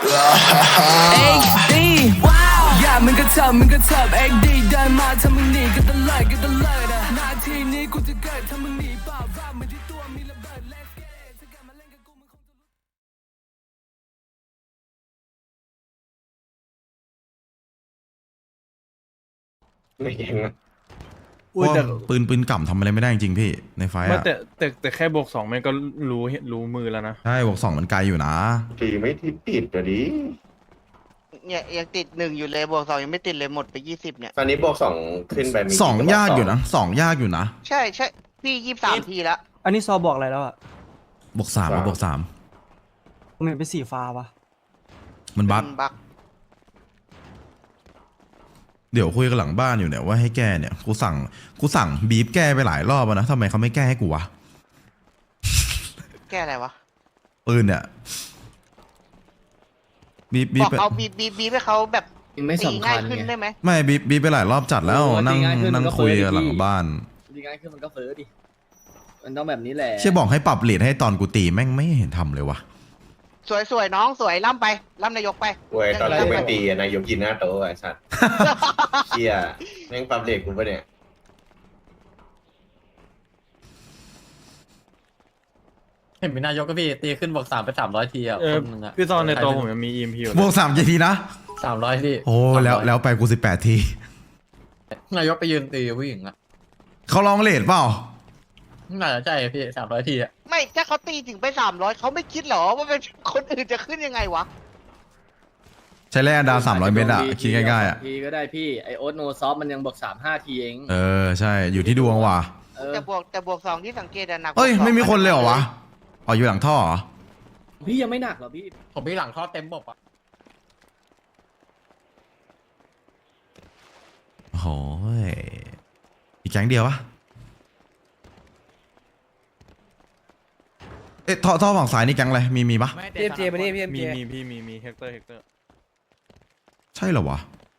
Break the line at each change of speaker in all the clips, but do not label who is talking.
XD อย่ามึงก็เถิบ XD เดินมาถ้ามึงหนีก็ตะเลิดนาทีนี้กูจะเกิดถ้ามึงหนีเปล่าว่ามันที่ตัวมีระเบิด Let's get it ถ้ากลับมาเล่นกับกูมึงคงจะ
ไม่เก่งนะ
อุ้ยแต่ปืนก่ำทำอะไรไม่ได้จริงๆพี่ในไฟ
ไม่
อะ
แต่แค่บวก2มันก็รู้มือแล้วนะ
ใช่บวก2มันไกลอยู่นะ
ตีไม่ติดอะดิ
เนี่ยยังติด1อยู่เลยบวก2ยังไม่ติดเลยหมดไป20เนี่ย
ตอนนี้บวก2ขึ้นไปมี
สองยากอยู่นะสองยากอยู่นะ
ใช่พี่23ทีแล้ว
อันนี้ซอบอกอะไรแล้วอ่ะ
บวก3แล้วบวก3
ผมเห็นเป็นสีฟ้าปะ
มันบั๊ก
บัก
เดี๋ยวคุยกันหลังบ้านอยู่เนี่ยว่าให้แก้เนี่ยกูสั่งบีบแก้ไปหลายรอบแล้วนะทำไมเขาไม่แก้ให้กูวะ
แก้อะไรวะ
ปืนเนี่ยบีบ
บอก
ไป
เอาบีให้เขาแบบ
ไม่
ตี
สำคั
ง่าย
ญ
ขึ้น
ไง
ได้ไหม
ไม่บีบไปหลายรอบจัดแล้ว
โอ้
นั่ง
ตีง่ายขึ้น
นั่ง
มันก็
คุย
เฟ้อดิ
กันหลังบ้าน
ดีง่ายขึ้นมันก็เฟ้อดิ มันต้องแบบนี้แหละ
เชี่ยบอกให้ปรับเลทให้ตอนกูตีแม่งไม่เห็นทำเลยวะ
สวยน้องสวยล่ำไปล่ำนายกไป
เว้ยตอนกูไปตีอะนายกยินหน้าโต๊ะไอ้สัตว์เชี่ยแม่งปั๊มเด็กกูปะเนี่ย
เห็นเป็นนายกก็พี่ตีขึ้นบอก3ไป300 ทีอ่ะคนนึงอ่ะ
พี่ซอนในตัวผมยังมี EMP อยู่
บวก3กี่ทีนะ
300 ที
โอ้แล้วไปกู18 ที
นายกไปยืนตีผู้หญิงอ่ะ
เขาลองเลทเปล่า
น่าจะใช่พี่300 ทีอ่ะ
ไม่ถ้าเขาตีถึงไป300เขาไม่คิดหรอว่าเป็นคนอื่นจะขึ้นยังไงวะ
ใช้แร่อันดา300 เมตรอะคิดง่ายๆอะ
ทีก็ได้พี่ไอโอ๊ตโนซอฟมันยังบอก3-5 ทีเอง
ใช่อยู่ที่ดวงว่ะ
แต่บวก2ที่สังเกตอะหนัก
เอ้ย
กว่า
ไม่มีคนเลยเหรอวะอ๋ออยู่หลังท่อเหรอ
พี่ยังไม่หนักหรอพี่
ผมมีหลังท่อเต็มบบอ่ะ
โอ้โหอีกแก๊งเดียววะเอ๊ะท่อฝั่งซ้ายนี่แก๊งอะไรมีปะ
พีเอ็มเจมาดิพีเอ็ม
มี
เจ
มีเฮกเตอร์
ใช่เหรอวะ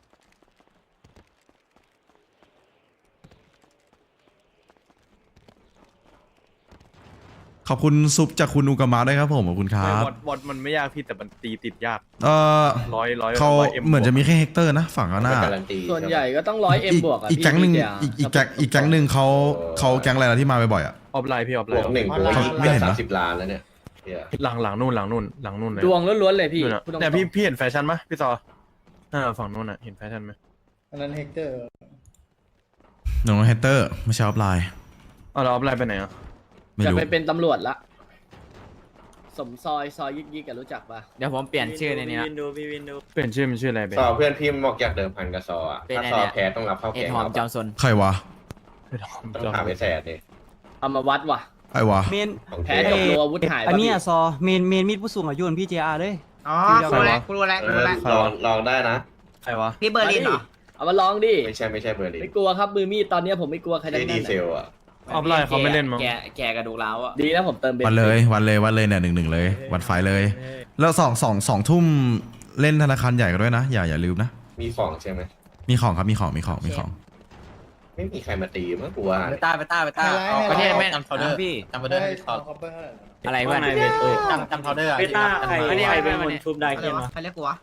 ขอบคุณซุปจากคุณอุกามะด้วยครับผมขอบคุณครับ
บอทมันไม่ยากพี่แต่มันตีติดยาก ร้อย
เขา
เอ็ม
เหมือนจะมีแค่เฮกเตอร์นะฝั่งข้างหน้า
ไม่การันตี
ส่วนใหญ่ก็ต้อง100M บวกอ่ะ
อีก
พี่
แก๊งหนึ่ง
พี่
อีกแก๊งหนึ่งเขาแก๊งอะไรนะที่มาบ่อยๆอ่ะ
ออฟไลน์พี่ออฟไล
บวก
น์
1กู
ไม่เห็นนะ
30 ล้านแล้วเนี่ยเชี่ย
หลังนู่นเลย
ดวงล้วนๆเลยพี่
นู่นน่ะ
พูดตรงๆ
แต่พี่เห็นแฟชั่นไหมพี่ซอฝั่งนู้นน่ะเห็นแฟชั่นไหม
อันนั้นเฮกเตอร์
น้องเฮกเตอร์ไม่ใช่ออฟไลน์
เราออฟไลน์ไปไหนอ่ะ
ไม่
จะ
รู้
ไปเป็นตำรวจละสมซอยยิกกันรู้จักปะ
เดี๋ยวผมเปลี่ยนชื่อในนี้นะ
เปลี่ยนชื่อมันชื่ออะไรไป
ซอเพื่อนพี่บอกอยากเดิมพันกับซออะ
เป็น
ถ้า
ไง
ซอ
เนี่ย
แพ้ต้องรับเข้าแกงเราปะ
น
ใครวะ
ต้องถามไอ้แสดดิ
เอามาวัดว่ะ
ใครวะ
เมน
ของ
แพ้
เจ๊
กับโลอาวุธหาย
อันเนี้ย
ป่ะ
ซอเมนมีดผู้สูงอายุพี่เจอาร์เลย
อ๋อ
ใครวะ
กูรู้แล้ว
ลองได้นะ
ใครวะ
พี่เบอร์ลินเหรอ
เอามาลองดิ
ไม่ใช่เบอร์ลิน
ไม่กลัวครับมือมีดตอนเนี้ยผมไม่กลัวใครทั้ง
ดี
นั้น
เซ
อะ
ลอะ
ออฟไลน์เขาไม่เล่นมั้ง
แกกระดูกร้าวอ่ะ
ดีนะผมเติมเบน
วันเลยเนี่ย1-1เลยวันไฟเลย แล้ว2 ทุ่มเล่นธนาคารใหญ่กันด้วยนะอย่าลืมนะ
มีของใช่ไหม
มีของครับมีของ
ไม่มีใครมาตีมั้งกูว่า
ไปต้าประเทศแม่จำเขาเดอร์พี่จำเขาเดอร์อะไรเพื่อนจำเขาเดอร์ไปต้าใครเป็นคนชุบได้ขึ้นมา
ใครเรียกกูวะ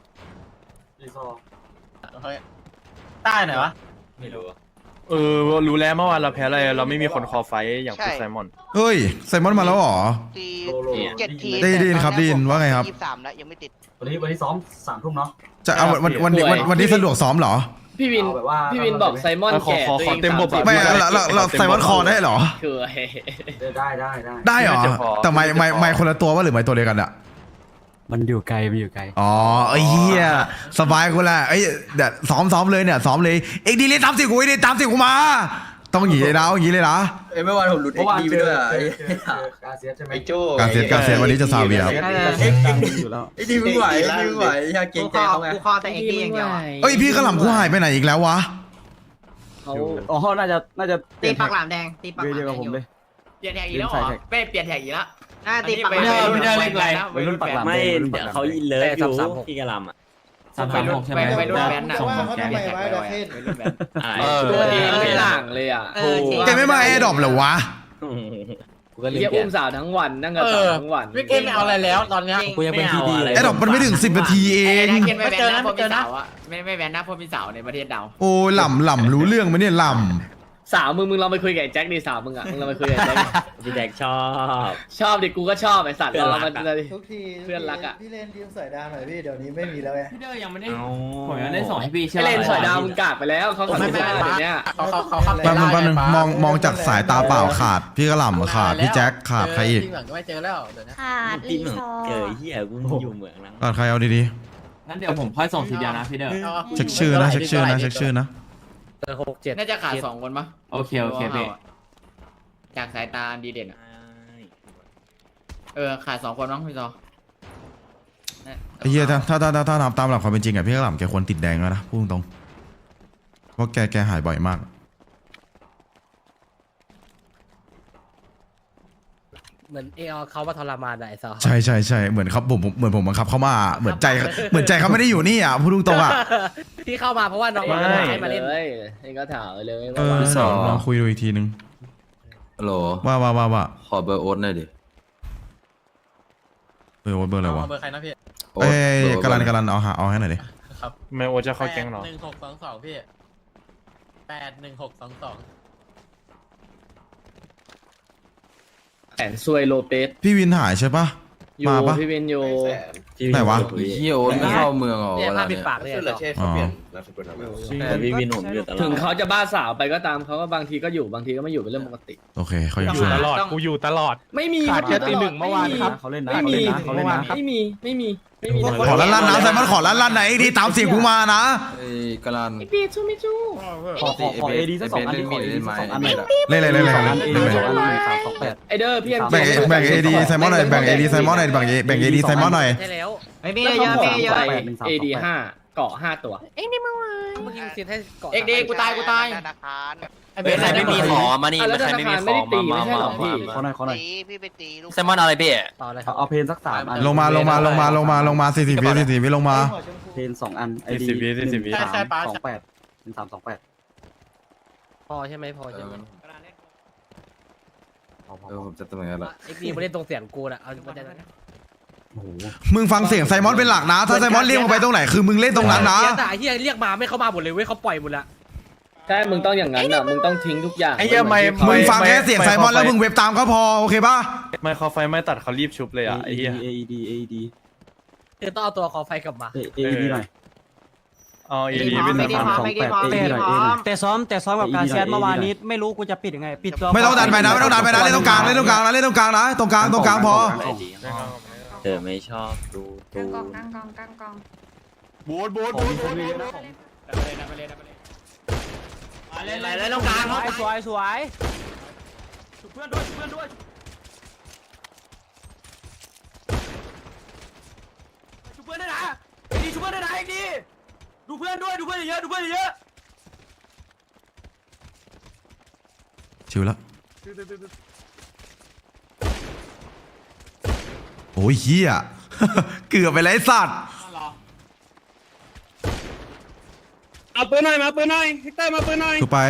ต้าไหนวะไม่รู้
รู้แล้วเมื่อวานเราแพ้อะไรเราไม่มีคนคอไฟอย่างคุณไซมอน
เฮ้ยไซมอนมาแล้วเหรอ
ตี7 ที
ได้ยินครับได้ยินว่าไงครับ
23แล้วยังไม่ติด
วันนี้ซ้อม3 ทุ่มเนาะ
จะเอาวันนี้สะดวกซ้อมเหรอ
พี่วิน
เอาแบบว่า
พี่วินบอกไซมอน
ขอ
แก่
ขอ
ตัว
ข
เอ
อง เต็มบบ
30
ไม่เราไซมอนคอได้เหรอ
คือ
ได้
ได้เหรอ
น่าจะพอ
แต่ไม่คนละตัวว่าหรือไม่ตัวเดียวกันอะ
มันอยู่ไกล
อ๋อไอ้เหี้ยสบายกูแหละเอ้ยเดี๋ยวซ้อมเลยเนี่ยซ้อมเลยเอ็กดีเลย30กูไอ้ดิ30กูมาต้องอย่างนี้เลยนะอย่างนี้เลยนะ
เมื่อวานผมหลุด
เมื่อวานเจอการเซียสใช่ไหม
ไอ้โจ้
การเซตวันนี้จะซาเวียครับ
ไอ้ดีมึงไหวอยากเก่งใจเขาไง
กูคอแต่เอ็กดีอย่างเดียวอะ
เอ้ยพี่ขลำกูหายไปไหนอีกแล้ววะ
เขา
อ๋อน่าจะ
ตีปากหลามแดงตีปากหลาม
เดียว
แด
กับ
ง
ผม
อยู่
เลย
เปลี่ยนแท็กอีกแล้วเหรอเป้เปลี่ยนแท็กอีกแล้ว
ตีปากหลามแดง
ไม่ได้เล่นไร
วัยรุ่นปากหลาม
ไม่เดี๋ยวเขาเลิฟอยู่พี่กะลำอ่ะ36ใช่ไหมวัยรุ่นแบนด์อ่ะแกไม่แท็กไปวัยรุ่นแบนด์
ตัวเองไม่ต่างเลยอ่ะ
จริง
แกไม่มาแอร์ดรอปเหรอวะ
ก็ลืม
เฮีย
แก
อุ้มสาวทั้งวันนั่งกับสาวทั้งวัน
ไม่เอาอะไรแล้วตอนเนี้ย
กูยังเป็นทีดีเลย
ไอ้ดอกมันไม่ถึง10 นาทีเอง
เกณฑ์ไม่แบนนะพวกมีสาวอะไม่แบนนะพวกมีสาวในประเทศเรา
โอ้ยหล่ำรู้เรื่องไหมเนี่ยหล่
สาวมึงลองไปคุยกับไอ้แจ็คดิสาวมึงอ่ะมึงลองไปคุยกับไอ้แจ็คดิ
พี่แดกชอบ
ชอบดิกูก็ชอบไอ้สัตว์
เพื่อน
เรา
รัก
มัน
อะ
เลย
ทุกที
เพื่อนรักอะ
พี่เล่นทีมสายดาวหน่อยพี่เดี๋ยวนี้ไม่มีแล้วไง
พี่เดอร์ยังไม่ได้
ผมยังได้ส่งให้พี่
ไอเลนสอยดาวมึงกากไปแล้วเขาทำไม่ได้เดี๋ยวเนี้ย
เขา
ำแป๊บนึงมองจากสายตาเปล่าขาดพี่กระหล่ำขาดพี่แจ็คขาดใครอีก
ที่เหมือนก็ไม่เจอแล้วเดี๋ยวนะ
ขาดรีซอร์
เฮียกูอยู่เมืองนั้น
ขาดใครเอาดี
งั้นเดี๋ยวผมค่อยส่งทีเดียวนะพี่เด้อ
ๆเช็คชื่อนะเช็คชื่อนะ
น่าจะขาด2 คนปะ
โอเคพี่
จากสายตาดีเด่นอะขาด2 คนมั้งพี่ซอ
ไอ้เหี้ยถ้านับตามหลักความเป็นจริงอะพี่กระหล่ำแกควรติดแดงแล้วนะพูดตรงๆเพราะแกหายบ่อยมาก
เหมือนเขามาทรมานไอ้ซอ
ใช่เหมือนครับผมเหมือนผมบังคับเขามาเหมือนใจเขาไม่ได้อยู่นี่อ่ะพูดตรงๆอ่ะ
ที่เข้ามาเพราะว่าน้อง
ไม่
ให้มา
เล
เล่น
ยเองก็ถามเลย
เออลองคุยดูอีกทีนึง
ฮัลโหล
ว่า
ขอเบอร์โอ๊ตหน่อยดิ
เบอร์อะไรวะ
เบอร์ใครนะพี่
เอ้ยกำลันเอาให้หน่อยดิ
ครับ
ไม่โอจะเข้าแก๊งเหรอ
1622พี่81622
แสนซวยโลเปส
พี่วินหายใช่ปะ
อยู่
มาปะ
พี่เวนอยู่
ไหนวะ
เฮียโอ๊ตไม่เข้าเมืองเหรอ
เนี่ย
เว
ภา
ลา
พปิ
เนี่
ด
ย
ปากเลย
ชื่อ
ไอ้
ละ
ซอ
เช่เขาเปลี่ยนนามสกุลอะไร
พี่วินผมอยู่ตลอด
ถึงเขาจะบ้าสาวไปก็ตามเขาก็บางทีก็อยู่บางทีก็ไม่อยู่เป็นเรื่องปกติ
โอเคเขายัง
อยู่ตลอดกูอยู่ตลอด
ไม่มี
ขาดแค่ตี
ตลอ
หนึ่งเมื่อวานครับ
เขาเล่นนะ
ไม่มี
เขาเล่นนะ
ไม่มี
ขอลั่นนะไซมอนขอลั่นไหนดีตามเสียงกูมานะ
ไอ้กะลัน
พี่ชูไม่ชู
ขอเอดีสัก2 อันดิขอเอดีสัก2 อันหน่อย
เล่น
2 อันเอดี2 อันหน่อย328
ไอเดอร์พี่
แบ่งเอดีไซมอนหน่อยแบ่งเอดีไซมอนหน่อยแบ่งเอดีไซมอนหน่อย
ใช่แล้ว
ไม่มีเยอะไม่เยอะ
เอดี5เกาะ5ตัว
เมื่อกี้ซีนให้เกาะ
เอ็กดีกูตาย
ธนาคาร
เบสไม่มีขอมานี่
แล้วธนาคารไม่ได้ตีไม่ใช่หรอพี่
เขาหน่อย
ตีพี่ไปตีลูก
แซมมอนอะไรพี่
ต่อเลยครับ
เอาเพนสัก3 อัน
ลงมา40 วิลงมา
เพน2 อันไอดี
40 วิ
328เป็น328
พอใช่ไหมพอใช่ไหม
ผมจะตำแหน่งอะไร
เอ็กดีไม่ได้ตรงเสียงกูนะเอาเข้าใจนะ
โอ้โห
มึงฟังเสียงไซมอนเป็นหลักนะถ้าไซมอนเรียกมึงไปตรงไหนคือมึงเล่นตรงนั้นนะ
แต่ไอ้เฮียเรียกมาไม่เข้ามาหมดเลยเว้ยเขาปล่อยหมดละ
ใช่มึงต้องอย่างนั้นอ่ะมึงต้องทิ้งทุกอย่าง
ไอ้เหี้ยไม่
มึงฟังแค่เสียงไซมอนแล้วมึงเว็บตามก็พอโอเคป่ะ
ไม่เขาไฟไม่ตัดเขารีบชุบเลยอ่ะไอ้เหี้ย
AED
คือต้องเอาตัวคอไฟกลับมา
AED หน่อย
เอาเอดีเป็น
328 AED หน่อย AED
แต่ซ้อมกับการแชทเมื่อวานนี้ไม่รู้กูจะปิดยังไงปิดตัว
ไม่ต้องดันไปนะเล่นตรงกลางนะตรงกลางพอ
ไม่ชอบดู
กลางกอง
บูด
อะไรตรงกลาง
สวยสวย
เพื่อนด้วยชุบเพื่อนด้วยนะเอ็กดีชุบเพื่อนด้วยนะเอ็กดีดูเพื่อนเยอะ
ชิวแล้วโอ้ยเฮีย เกือบไปเลยไอ้สัตว์
เอาปืนหน่อยมาปืนหน่อยเฮกเตอร์มาปืนหน่อย
ถูกไป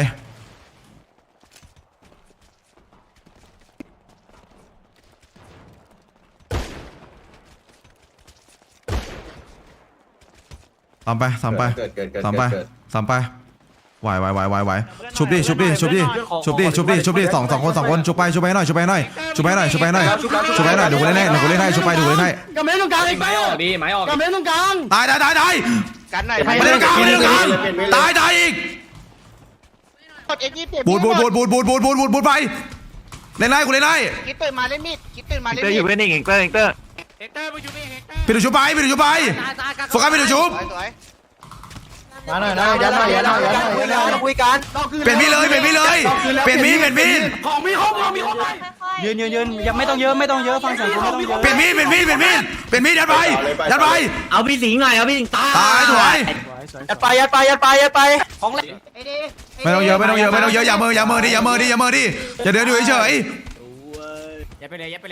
ตามไป
เกิด
ไหวชุบดิสองคนชุบไปหน่อยเดี๋ยวกูเล่นให้ชุบไป
กำเนิดตรงกลางอีกไป
ไม้ออกดีไม้ออก
กำเนิดตรงกลาง
ตาย
กันหน่อย
ไม่ได้ตรงกลางตายอีก
กดเอ็กซ์เจ็บ
บูดไปเล่นได้กูเล่นได้
คิดตื่นมาเล่นมีดคิดตื่นมาเล่น
เตอร์
มี
อยู่
ด
เป็นเองเตอร์
เฮกเตอร์มึงอยู่นี่เฮกเตอร์
ปิดชุบไปโฟกัสปิดชุบ
สวย
มาหน่อยนะยันหน่อยคุยกัน
เปลี่ยนมีดเลยเปลี่ยนมีด
ของมีครบเลย
ยืนยังไม่ต้องเยอะฟังเสียงกูไม่ต้องเยอะ
เปลี่ยนมีดยัดไป
เอาพี่สิงหน่อยเอาพี่สิงตา
ตายถวย
ยัดไปของเล่น
ไม่ต้องเยอะอย่าเมอดิอย่าเดินอยู่เฉย
อย่าไปเลย
ยัดไป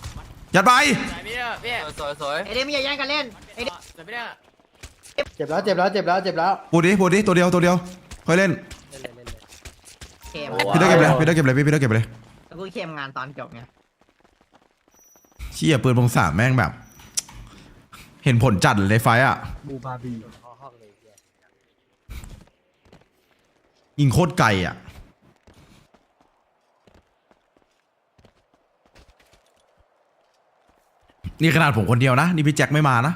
สวย
เอเดมี่อย่าแย่งกันเล่น
จะไม่ได้
เจ็บแล้ว
ปูดิตัวเดียวค่อยเล่น
เข้ม
พี่เตอร์เก็บเลยพี่
กูเข้มงานตอนจบไง
เชี่ยปืนพงศาวแม่งแบบ เห็นผลจัดเลยในไฟต์อ่ะ
บูบาบี
ยิงโคตรไกลอ่ะ นี่ขนาดผมคนเดียวนะ นี่พี่แจ็คไม่มานะ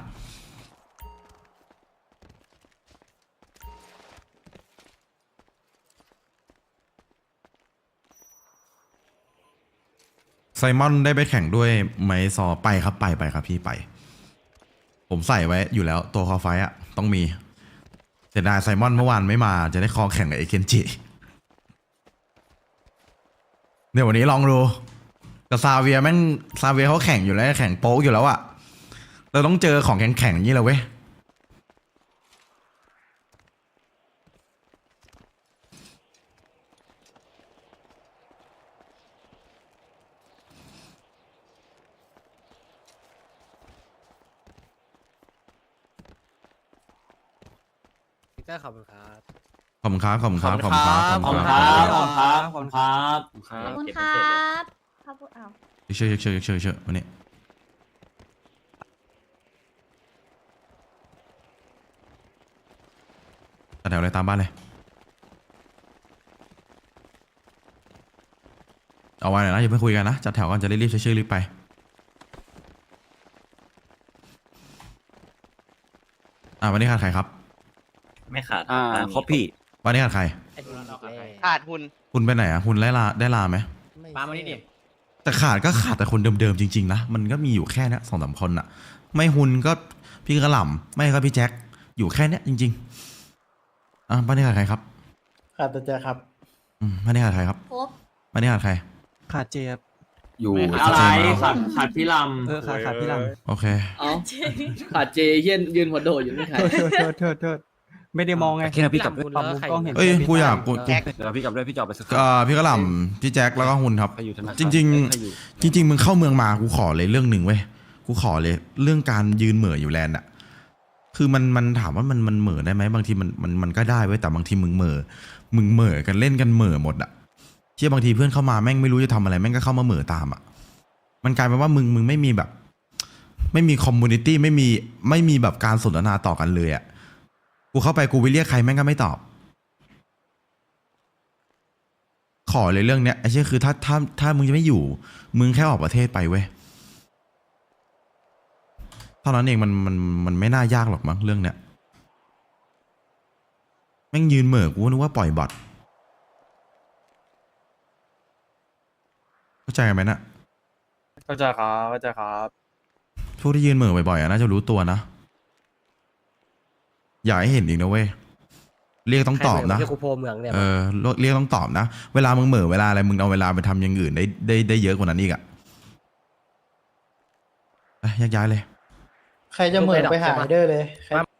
ไซมอนได้ไปแข่งด้วยไหมซอไปครับไปครับพี่ไป ผมใส่ไว้อยู่แล้วตัวคอไฟอะต้องมีเสียดายไซมอนเมื่อวานไม่มาจะได้คอแข่งกับเอเคนจิเดี๋ยววันนี้ลองดูกับซาเวียแม่งซาเวียเขาแข่งอยู่แล้วแข่งโป๊กอยู่แล้วอะเราต้องเจอของแข่งๆอย่างนี้แหละเว้ย
ก็ขอบคุณครับ
ขอบคุณครับขอบคุณครับขอบคุณครับขอบ
ขอบ
คุ
คุณ ณ
ค
ค
รั
รั
บบ
ขอบคุณครับขอบคุณครับ
ขอบคุณครับขอบคุณอ้าว
เชื่อวันนี้ตัดแถวเลยตามบ้านเลยเอาไว้หน่อยนะอย่าเพิ่งคุยกันนะจัดแถวก่อนจะรีบๆชื่อรีบไปวันนี้ขาดใครครับ
ไม่ขาด
ครบพี่
วันนี้ขาดใคร
ขาดหุ่น
คุณไปไหนอ่ะคุณได้ลาไหม
ปามานี่ดิ
แต่ขาดแต่คนเดิมๆจริงๆนะมันก็มีอยู่แค่นี้2-3 คนอ่ะ ไม่หุนก็พี่กระหล่ำไม่ก็พี่แจ็คอยู่แค่นี้จริงๆบ้านนี้ขาดใครครับ
ขาดแต่เจอครับ
บ้านนี้ขาดใครครับ
ครบ
บ้านนี้ขาดใคร
ขาดเจ็บ
อยู่
ขาดพี่ล
ขาดพี่ล
โอเค
ำเอ้าขาดเจยืนหัวโดดอยู่นี่ใคร
ำโทษไม่ได้มองไง
แค่นั้นพี่กลับ
ปรับมุมกล้องเห็น
เอ้ยกูอยากกู
แจ็ค
เดี๋ยวพี่กลับด้วยพี่จอบไปสัก
พี่กระหล่ำพี่แจ็คแล้วก็หุนครับ
ใครอยู่ธนาคาร
จริงๆมึงเข้าเมืองมากูขอเลยเรื่องหนึ่งเว้ยกูขอเลยเรื่องการยืนเหม่ออยู่แลนด์อ่ะคือมันถามว่ามันเหม่อได้ไหมบางทีมันก็ได้เว้ยแต่บางทีมึงเหม่อกันเล่นกันเหม่อหมดอ่ะเชื่อบางทีเพื่อนเข้ามาแม่งไม่รู้จะทำอะไรแม่งก็เข้ามาเหม่อตามอ่ะมันกลายเป็นว่ามึงไม่มีแบบ ไม่มีคอมมูนิตี้ไม่มีแบบการสนทนาต่อกันเลยอ่ะกูเข้าไปกูไปเรียกใครแม่งก็ไม่ตอบขอเลยเรื่องเนี้ยไอ้เชี่ยคือถ้ามึงจะไม่อยู่มึงแค่ออกประเทศไปเว้ยเท่านั้นเองมันไม่น่ายากหรอกมั้งเรื่องเนี้ยแม่งยืนเหม่อกูนึกว่าปล่อยบอทเข้าใจกันไหมนะ
เข้าใจครับ
พวกที่ยืนเหม่อบ่อยๆน่าจะรู้ตัวนะอยากให้เห็นอีกนะเว้ยเรียกต้องตอบนะ
กูโพเมืองเนี่ย
เรียกต้องตอบนะเวลามึงเหม่อเวลาอะไรมึงเอาเวลาไปทำอย่างอื่นได้เยอะกว่านั้นอีกอะแยกย้ายเลย
ใครจะเหมือนไปหาไอเดอร์เลยใคร